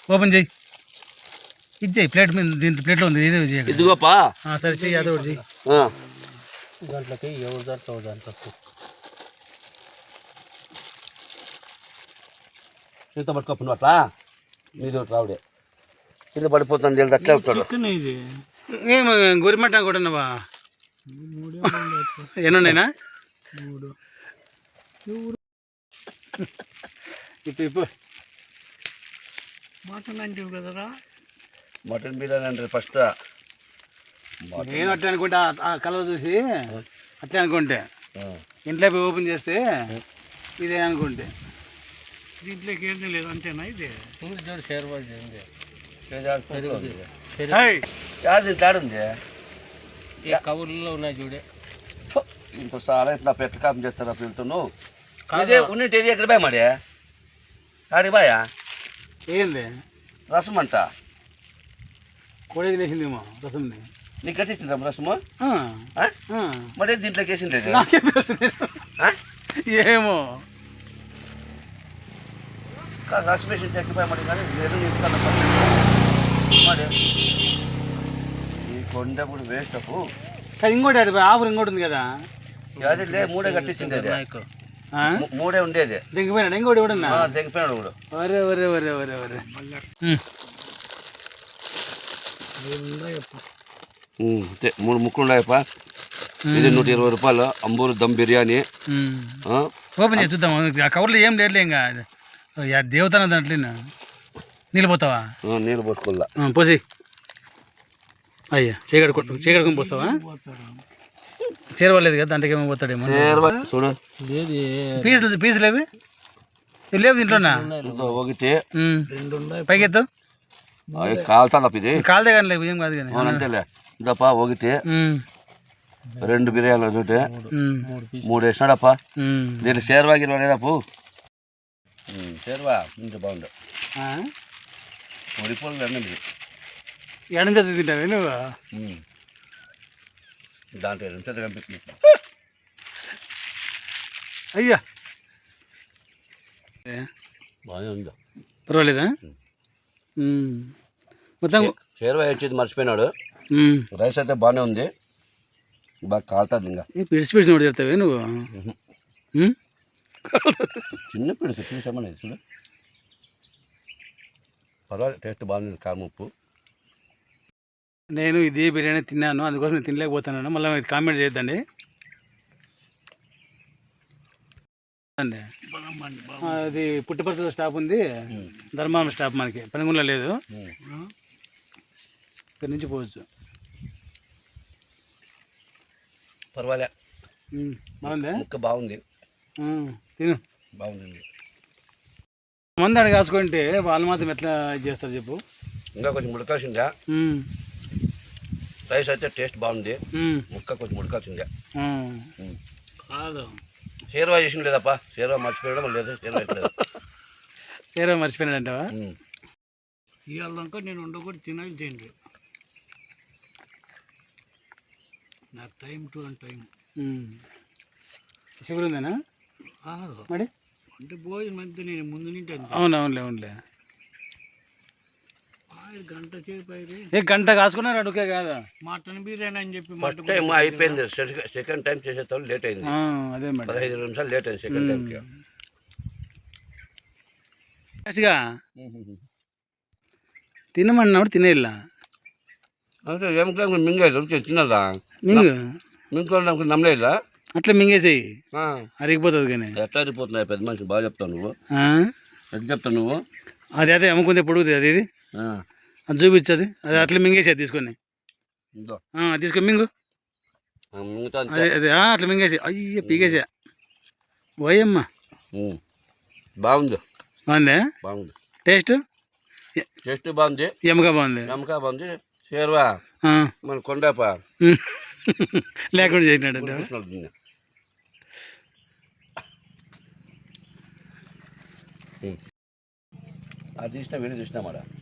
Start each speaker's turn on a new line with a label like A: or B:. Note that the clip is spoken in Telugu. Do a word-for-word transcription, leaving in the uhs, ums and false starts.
A: ఓపెన్ చేయి, ఇచ్చేయి ప్లేట్ మీద, దీంట్లో ప్లేట్లో ఉంది ఇదే చేయి.
B: ఇదిగోపా
A: సరే చెయ్యి, అదే ఒకటి చెయ్యి.
C: దాంట్లోకి ఎవరు దాంట్లో దాంట్లో
B: కింద పట్టుకోపు అట్లా నీది ఒకటి రావుడే కింద పడిపోతుంది తెలియదు అట్లే ఉంటాడు.
C: ఇది
A: ఏం గొరిమట్ట కూడా ఉన్నావా? ఎన్నున్నాయినా?
C: మూడు
A: ఇప్పుడు ఇప్పుడు
C: మటన్ అంటే కదరా,
B: మటన్ బిర్యానీ అంటే ఫస్ట్
A: నేను అట్లా అనుకుంటే ఆ కలర్ చూసి అట్లే అనుకుంటే ఇంట్లో పోయి ఓపెన్ చేస్తే ఇదే అనుకుంటే
C: దీంట్లోకి ఏంది లేదు అంతేనా? ఇది చూడు షేర్వాల్ చేయండి.
B: తాడుంది
C: కవుల్లో ఉన్నాయి చూడే.
B: ఇంకో చాలా ఇట్లా పెట్ట కాపం చేస్తారా పిల్లతో అదే ఉన్నింటి ఇది ఎక్కడ బాయ్ మాడే ఆడి బాయా
A: ఏంది
B: రసం అంట
A: కోడేది వేసిందేమో రసంది.
B: నీకు కట్టించిందా రసము?
A: ఆ,
B: మరి దీంట్లోకి వేసింది
A: నాకేం తెలుసు నేను. ఏమో
B: రసం వేసి చెక్కిపోయి మరి కానీ నేను చెప్తాను మరి ఈ కొండ కూడా వేస్ట్ అప్పు.
A: కానీ ఇంకోటి అడి ఆఫర్ ఇంకోటి ఉంది కదా,
B: అది లే మూడే కట్టించింది అది మూడే ఉండేది.
A: దిగిపోయినాడు ఇంకోటి కూడా ఉన్నా
B: దిగిపోయినాడు కూడా.
A: వరే వరే వరే వరే వరే
B: మూడు ముక్కలు ఉన్నాయప్ప. ఇది నూట ఇరవై రూపాయలు అంబూరు దమ్ బిర్యానీ.
A: ఓపెన్ చేసి చూద్దాం. ఆ కవర్లో ఏం లేట్లే ఇంకా దేవతన దాంట్లో నీళ్ళు పోతావా?
B: నీళ్ళు పోసుకోవాలా
A: పోసి అయ్యా చీకటి చీకడుకొని పోస్తావా? చేరవలేదు కదా దాంట్లోకి ఏమో పోతాడేమో.
B: చూడు
A: పీసులు పీసులు అవి లేవు దీంట్లోనా?
B: ఒకటి
A: పైకి ఎత్తు
B: కాలుతా ఇది
A: కాలదే కానీ లేవు ఏం కాదు కానీ
B: అంతేలే. ఇదప్ప ఒకటి రెండు బిర్యానీలు చూటే మూడు వేసినాడప్ప. దీంట్లో షేర్వా గిర్వా లేదప్పు. షేర్వా ఇంకా బాగుండు ఉడిపోలు అన్నది
A: ఎడం చేత తింటావే నువ్వు?
B: దాంట్లో ఎడం చేత కనిపిస్తుంది.
A: అయ్యా
B: బాగానే ఉందా?
A: పర్వాలేదా? మొత్తం
B: షేర్వా వచ్చేది మర్చిపోయినాడు. రైస్ అయితే బాగానే ఉంది, బాగా కాలుతుంది. ఇంకా
A: పిడిచి పిడిచి నోటి చెప్తావే నువ్వు?
B: చిన్న పిడిచి చూసామని చూడు పర్వాలేదు, టేస్ట్ బాగుంది. కారం ఉప్పు.
A: నేను ఇదే బిర్యానీ తిన్నాను, అందుకోసం నేను తినలేకపోతున్నాను. మళ్ళీ ఇది కామెంట్ చేయొద్దండి. అది పుట్టపర్తిలో స్టాప్ ఉంది, ధర్మారం స్టాప్ మనకి పనిగుండలో లేదు. ఇక్కడి నుంచి పోవచ్చు.
B: పర్వాలే
A: బాగుందా?
B: ముక్క బాగుంది,
A: తిను
B: బాగుంది.
A: మంది అడిగి కాసుకుంటే వాళ్ళు మాత్రం ఎట్లా ఇది చేస్తారు చెప్పు?
B: ఇంకా కొంచెం ఉడకాల్సిందా. రైస్ అయితే టేస్ట్ బాగుంది, ముక్క కొంచెం ఉడకాల్సిందే.
C: కాదు
B: షేర్వా చేసిన లేదప్ప, షేర్వా మర్చిపోయడం లేదు. షేర్వా లేదు,
A: షేర్వా మర్చిపోయినాడంటావా?
C: ఇవాళ నేను ఉండకూడదు తినాలి తిండి. నాకు time to and time
A: sugar ఉందేనా మరి?
C: అంటే భోజనం మధ్య నేను ముందు నింటే.
A: అవును అవునులే అవునులే.
C: గంట సేపు
A: ఏ గంట కాసుకున్నారు అడుగే కాదా?
C: మటన్ బిర్యానీ అని చెప్పి
B: ఫస్ట్ టైం అయిపోయింది, సెకండ్ టైం చేసేటప్పుడు లేట్ అయింది.
A: అదే మేడం,
B: పదహైదు నిమిషాలు లేట్ అయింది సెకండ్ టైంకి.
A: ఫస్ట్గా తినమన్నాడు తినేలా
B: అంటే ఏం మింగేది తిన్నదా?
A: మింగు
B: మింగుకోవడానికి నమ్మలేదా?
A: అట్లా మింగేసేయి, అరిగిపోతుంది. కానీ
B: ఎట్లా అరిగిపోతున్నాయి? పెద్ద మనిషి బాగా చెప్తావు నువ్వు. ఎట్లా చెప్తావు నువ్వు?
A: అది అదే అమ్ముకుంటే పొడుగుతుంది అది. ఇది అది చూపించది, అది అట్లా మింగేసేది తీసుకొని తీసుకొని మింగు. అదే అదే అట్లా మింగేసి అయ్య పీకేసా. పోయమ్మా
B: బాగుంది,
A: బాగుందా?
B: బాగుంది.
A: టేస్ట్
B: టేస్ట్ బాగుంది,
A: ఎమ్మగా బాగుంది,
B: ఎమ్మగా బాగుంది. షేర్వా మన కొండప
A: లేకుండా చేసినాడు.
B: అది చూసినా వీడియో చూసినా మాట